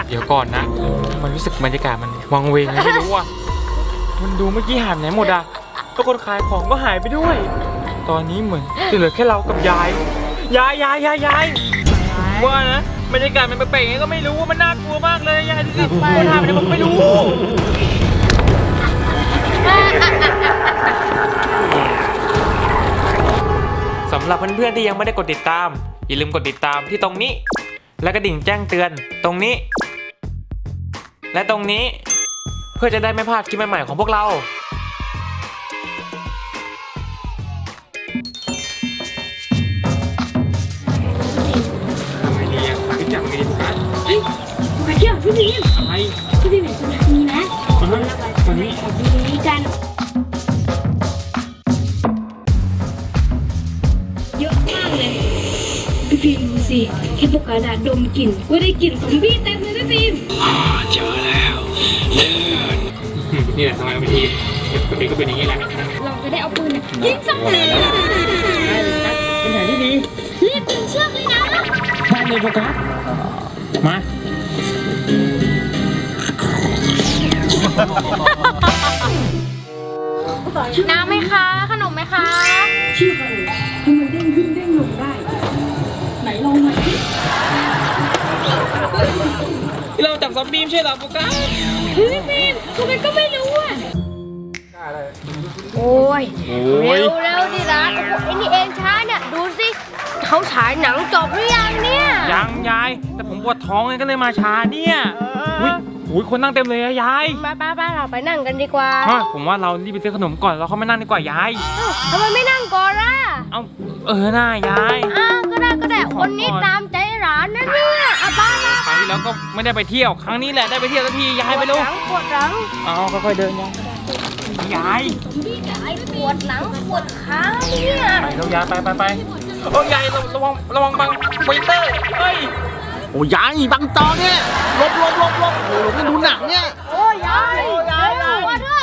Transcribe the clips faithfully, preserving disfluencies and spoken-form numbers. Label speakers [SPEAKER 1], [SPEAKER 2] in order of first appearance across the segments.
[SPEAKER 1] เดี๋ยวก่อนนะมันรู้สึกบรรยากาศมันวังเวงไงไม่รู้อ่ะมันดูเมื่อกี้หายไปไหนหมดอ่ะทุกคนขายของก็หายไปด้วยตอนนี้เหมือนจะเหลือแค่เรากับยายยายยายยายยายว่านะบรรยากาศมันแปลกๆไงก็ไม่รู้ว่ามันน่ากลัวมากเลยยายดูสิคนหายไปไหนผมไม่รู้สำหรับเพื่อนๆที่ยังไม่ได้กดติดตามอย่าลืมกดติดตามที่ตรงนี้และกระดิ่งแจ้งเตือนตรงนี้และตรงนี้เพื่อจะได้ไม่พลาดคลิปใหม่ๆของพวกเราทำไงดีอ่ะพี่จับไงดีปุ๊กกัน
[SPEAKER 2] เฮ้ยมาเที่ยวพี่บีม
[SPEAKER 1] อะไร
[SPEAKER 2] พี่บีมเห็นคนนี้ไหม
[SPEAKER 1] คนนี้คนนี้
[SPEAKER 2] ดีกันเยอะมากเลยพี่บีมดูสิแค่พวกกระดาษดมกลิ่นก็ได้กลิ่นซอมบี้เต็มเลยพี่บีม
[SPEAKER 1] อ่าเจอแล้วเลือดนี่แหละทำไมบางทีเด็กก็เป็นอย่างนี้แหละ
[SPEAKER 2] เราจะได้เอาปืนยิงซอมบี้
[SPEAKER 1] เป็นแผนที่ดี
[SPEAKER 2] รีบดึงเชือกเลยนะ
[SPEAKER 1] ได้เลยโฟกัสมา
[SPEAKER 3] น้ำไหมคะขนมไหมคะ
[SPEAKER 2] เชือกอะไรทำไมเด้งขึ้นเด้งลงได้ไหนลองหน่อยสิ
[SPEAKER 1] เราจับซอมบี้ใช่เหรอโฟกัส
[SPEAKER 2] เฮ้ยบีมพวกมันก็ไม่รู้อ่ะ
[SPEAKER 3] โอ้ยเร็วเร็วดิร้านโอ้โหไอ้นี่เองช้าเนี่ยดูสิเขาฉายหนังจบหรือยังเนี่ย
[SPEAKER 1] ยังยายแต่ผมปวดท้องเลยก็เลยมาช้าเนี่ยอุ้ยอุ้ยคนนั่งเต็มเลยอะยาย
[SPEAKER 3] ป้าป้าป้าเราไปนั่งกันดีกว่า
[SPEAKER 1] ผมว่าเรารีบไปซื้อขนมก่อนเราเข้ามานั่งดีกว่ายาย
[SPEAKER 3] ทำไมไม่นั่งก่อนล่ะ
[SPEAKER 1] เอาเออหน้ายาย
[SPEAKER 3] อ้าวก็ได้ก็ได้คนนี้ตามใจร้านนะเนี่ยอ่ะป้ามา
[SPEAKER 1] ครั้งที่แล้วก็ไม่ได้ไปเที่ยวครั้งนี้แหละได้ไปเที่ยวสักทียายไปลูก
[SPEAKER 3] ปวดหลัง
[SPEAKER 1] เอาค่อยๆเดินยายยาย
[SPEAKER 3] ยายปวดหลังปวดขาเนี่ย
[SPEAKER 1] ไปแล้วยายไปไปไปโอ้ยายระวังระวังบังไฟเตอร์เฮ้ย
[SPEAKER 4] โอ้ยายบังจอเนี่ยลบลบลบลบโอ้ยไม่ดูหนังเนี่ย
[SPEAKER 3] โอ้ยยายยายยาย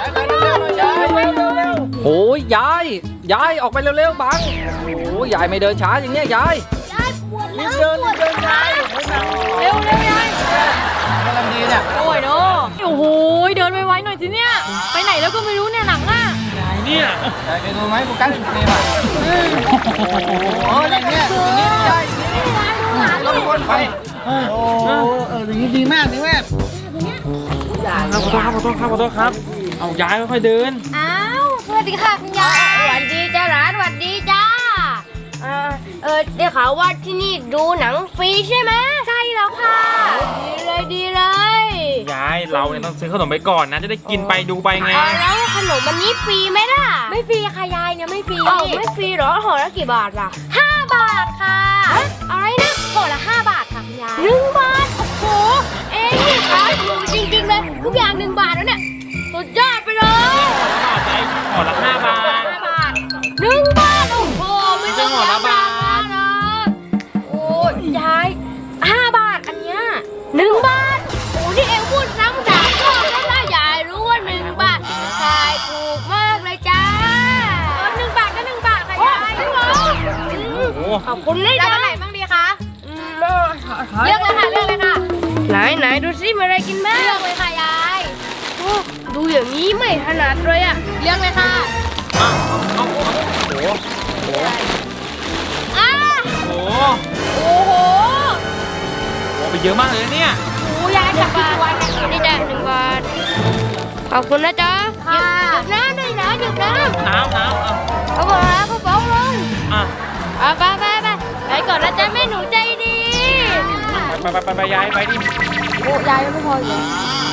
[SPEAKER 4] โอ้ยยายยายออกไปเร็วๆบังโอ้ยยายไม่เดินช้าอย่างเงี้ยยาย
[SPEAKER 3] ยายปวดหลัง
[SPEAKER 4] เดินเดินช้า
[SPEAKER 3] เร็วเร็วยาย
[SPEAKER 4] กำลังดีเนี่ย
[SPEAKER 3] โอ้ยเนาะโอ้โหเดินไวๆหน่อยสิเนี่ยไปไหนแล้วก็ไม่รู้เนี่ยหนังอ่ะ
[SPEAKER 1] ยายเนี่ย
[SPEAKER 4] ยายไปดูไหมโฟกัสเป็นไงบ้างโอ้ยอย่างเงี้ยอย่างนี้ยายลงบนไปโอ้เอออย่างนี้ดีมากนี่แม่
[SPEAKER 1] ขอโทษครับขอโทษครับขอโทษครับเอายายค่อยๆเดิน
[SPEAKER 3] อ้าวสวัสดีค่ะคุณยายสวัสดีจ้าร้านสวัสดีจ้าเออเออได้ข่าวว่าที่นี่ดูหนังฟรีใช่ไหมใช่แล้วค่ะดีเลยดีเลย
[SPEAKER 1] ยายเราเนี่ยต้องซื้อขนมไปก่อนนะจะได้กินไปดูไปไง
[SPEAKER 3] แล้วขนมวันนี้ฟรีไหมล่ะไม่ฟรีค่ะยายเนี่ยไม่ฟรีอ๋อไม่ฟรีหรอห่อละกี่บาทล่ะห้าบาทค่ะอะไรนะห่อละห้าบาทค่ะคุณยายหนึ่งบาทโอ้โหเอ๊ะนี่ขายถูกจริงๆเลยทุกอย่างหนึ่งบาทแล้วเนี่ยสุดยอดไปเลย
[SPEAKER 1] ห่อละห้าบาท
[SPEAKER 3] ห้าบาทหนึ่งบาทโอ้โหไม่ต้องห่อละบาทนะโอ้ยายห้าบาทอันเนี้ยหนึ่งบาทโอ้ที่เอ็งพูดซ้ำสามรอบแล้วล่ะยายรู้ว่าหนึ่งบาทขายถูกมากเลยจ้าหนึ่งบาทก็หนึ่งบาทค่ะยายจริงเหรอขอบคุณเลยจ้าแล้วอะไรบ้างดีคะเลือกเลยค่ะเลือกเลยค่ะไหนไหนดูซิมีอะไรกินบ้างเลือกเลยค่ะยายดูอย่างนี้ไม่ถนัดเลยอ่ะเลือกเลยค่ะ
[SPEAKER 1] อ้าวโอ้โหโอ้โห
[SPEAKER 3] อ้า
[SPEAKER 1] โอ้โห
[SPEAKER 3] โอ้โห
[SPEAKER 1] ไปเยอะมากเลยเนี่ย
[SPEAKER 3] โอ้ยายจับบาทนี่จ้ะหนึ่งบาทขอบคุณนะจ๊ะค่ะหยิบน้ำด้วยนะหยิบน้ำ
[SPEAKER 1] น้ำน้ำ
[SPEAKER 3] เอาไปเอากระเป๋าลง
[SPEAKER 1] อ่ะ
[SPEAKER 3] เอาไปไปไปไปก่อนนะจ๊ะแม่หนูใจดี
[SPEAKER 1] ไปไปไปไปยายไปดิ
[SPEAKER 3] โอ้ยายไม่พอเลย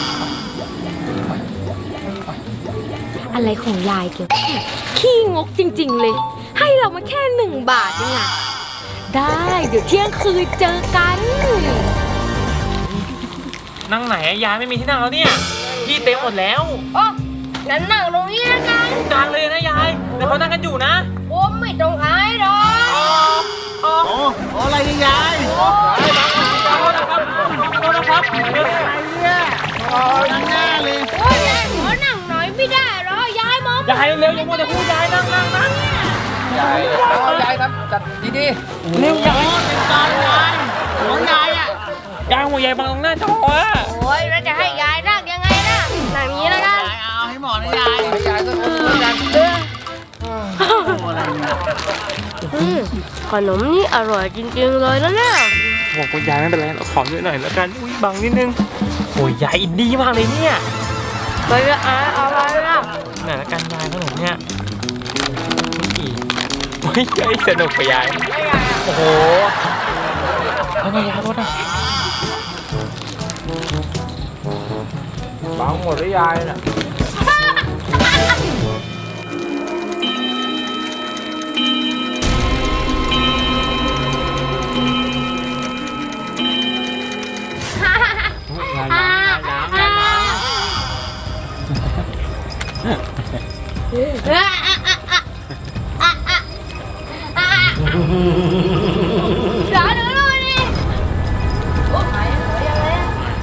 [SPEAKER 3] อะไรของยายเกี่ยวขี้งกจริงๆเลยให้เรามาแค่หนึ่งบาทเองอะได้เดี๋ยวเที่ยงคืนเจอกัน
[SPEAKER 1] นั่งไหนยายไม่มีที่นั่งแล้วเนี่ยที่เต็มหมดแล้ว
[SPEAKER 3] อ๋องั้นนั่งตรงนี้นะกัน
[SPEAKER 1] กลางเลยนะยายแต่เขานั่งกันอยู่นะ
[SPEAKER 3] โอ้ไม่ตรงอายหรอก
[SPEAKER 1] อ๋ออ๋
[SPEAKER 4] ออะไรเนี่ยยาย
[SPEAKER 1] โอ้ยบังขอโทษนะครับขอโทษนะครับ
[SPEAKER 4] อะไรเนี่ยโอ้ยนั่งหน้าเลย
[SPEAKER 3] โอ้ยยายขอนั่งหน่อยไม่ได้หรอยายมอง
[SPEAKER 1] ยายเร็วๆอย่ามัวแต่พูดยายนั่งนั่งนั่ง
[SPEAKER 4] ยายเอายายครับจัดดีๆ
[SPEAKER 1] เร็วยาย
[SPEAKER 4] เป็นการยายของยายอ่ะ
[SPEAKER 1] ยายหัวยายบังตรงหน้าจออะ
[SPEAKER 3] โอ้ยเราจะให้ยายนั่งยังไงนะนั่งอย่างนี้แล้วกัน
[SPEAKER 4] ยายเอาให้หมอนะยายยายก็เออกัน
[SPEAKER 3] เออ
[SPEAKER 4] โอ้อะไรเนี่ย
[SPEAKER 3] อืมขนมนี่อร่อยจริงๆเลยนะเนี่ย
[SPEAKER 1] บอกคุณยายไม่เป็นไรเราขอเยอะหน่อยแล้วกันอุ้ยบังนิดนึงโอ้ยยายอินดี้มากเลยเนี่ย
[SPEAKER 3] ไปละอ่ะอะไรนะ
[SPEAKER 1] ไหนละกันยายขนมเนี่ยอุ้ยโอ้ยยายสนุกไปยายโอ้โหเอาไงยายรถอ่ะ
[SPEAKER 4] บังหมดแล้วยายน่ะ
[SPEAKER 1] ยายล้างยายล้างยายล้าง
[SPEAKER 3] เดี๋ยวเดี๋ยวดูดิโอ้ยยังไงอะ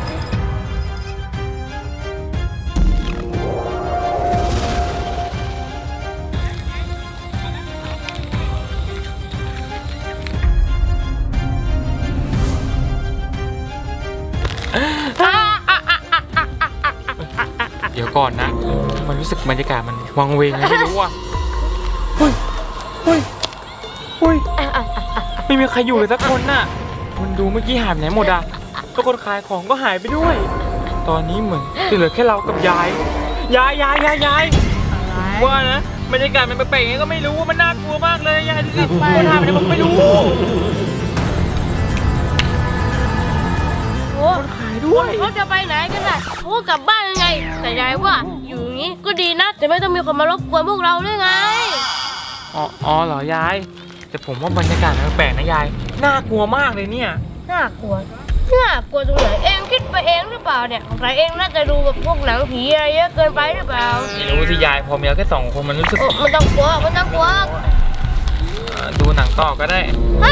[SPEAKER 1] เดี๋ยวก่อนนะ มันรู้สึกบรรยากาศมันวังเวงไงไม่รู้อ่ะเฮ้ยเฮ้ยเฮ้ยไม่มีใครอยู่เลยสักคนน่ะมันดูเมื่อกี้หายไปไหนหมดอ่ะทุกคนขายของก็หายไปด้วย ตอนนี้เหมือนจะเหลือแค่เรากับยาย ยายยายยายยายว่านะบรรยากาศมันแปลกๆยังไงก็ไม่รู้มันน่ากลัวมากเลยยายดูสิคนหายไปไหนผมไม่รู้
[SPEAKER 3] โอ้
[SPEAKER 1] ขายด้วย
[SPEAKER 3] เขาจะไปไหนกันน่ะเขาก็กลับบ้านยังไง แต่ยายว่าอยู่อย่างนี้ก็ดีนะจะไม่ต้องมีคนมารบกวนพวกเราด้วยไง
[SPEAKER 1] อ๋ออ๋อเหรอยาย แต่ผมว่าบรรยากาศมันแปลกนะยาย น่ากลัวมากเลยเนี่ย
[SPEAKER 3] น่ากลัว น่ากลัวตรงไหนเองคิดไปเองหรือเปล่าเนี่ยสงสัยเองน่าจะดูแบบพวกหนังผีอะไรเยอะเกินไปหรือเปล่า
[SPEAKER 1] ไม่รู้สิยายพอมีเราแค่สองคนมันรู้สึก
[SPEAKER 3] โอ้มันต้องกลัวมันต้องกลัว
[SPEAKER 1] เอ่อดูหนังต่อก็ได้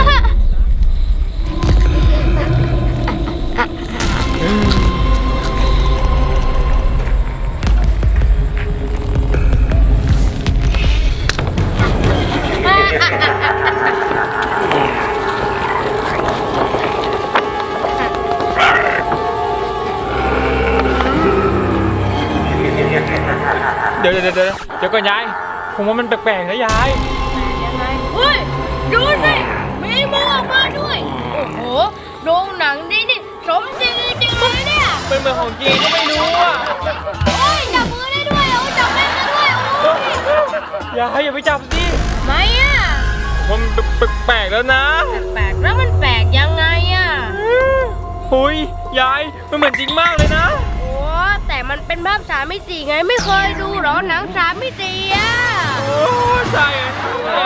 [SPEAKER 1] เดี๋ยวเดี๋ยวเดี๋ยวเดี๋ยวก่อนยาย ผมว่ามันแปลกๆนะยาย
[SPEAKER 3] ยังไงเฮ้ยดูสิมีมือออกมาด้วยโอ้โหโรงหนังนี่นี่สมจริงจริงเลยเนี่ย
[SPEAKER 1] เป็นเหมือนของจริงก็ไม่รู้อ่ะ
[SPEAKER 3] โอ้ยจับมือได้ด้วยโอ้จับแม่นกันด้วยโอ้ย
[SPEAKER 1] ยายอย่าไปจับสิ
[SPEAKER 3] ไม่อ่ะ
[SPEAKER 1] มันแปลกๆแล้วนะ
[SPEAKER 3] แปลกแล้วมันแปลกยังไงอ่ะ
[SPEAKER 1] หุยยายมันเหมือนจริงมากเลยนะ
[SPEAKER 3] โอ้แต่มันเป็นภาพสามมิติไงไม่เคยดูเหรอหนังสามมิติอ่ะ
[SPEAKER 1] โอ้ใช่อะ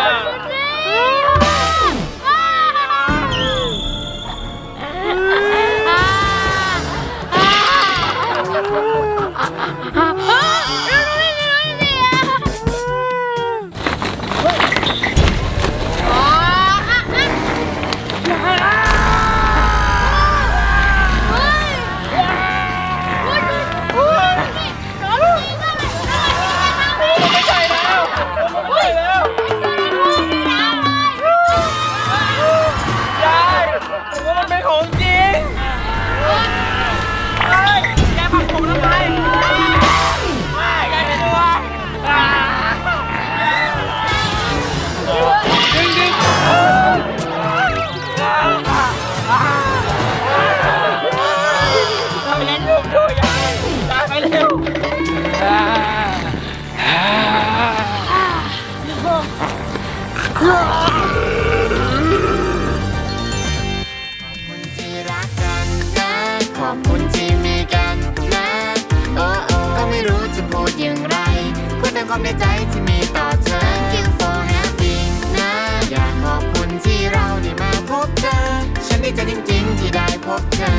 [SPEAKER 1] ไม่ใช่แล้วไม่ใช่แล้วยายผมว่ามันเป็นของจริงเฮ้ยยายผลักผมทำไมไม่ยายเป็นตัวดึงดึงทำยังไงลูกดูยายยายไปเร็ว
[SPEAKER 5] ขอบคุณที่มีกันนะ โอ้โอ้ก็ไม่รู้จะพูดอย่างไรพูดแต่ความในใจที่มีต่อเธอ Thank you for having นะ อยากขอบคุณที่เราได้มาพบเธอ ฉันดีใจจริงๆที่ได้พบเธอ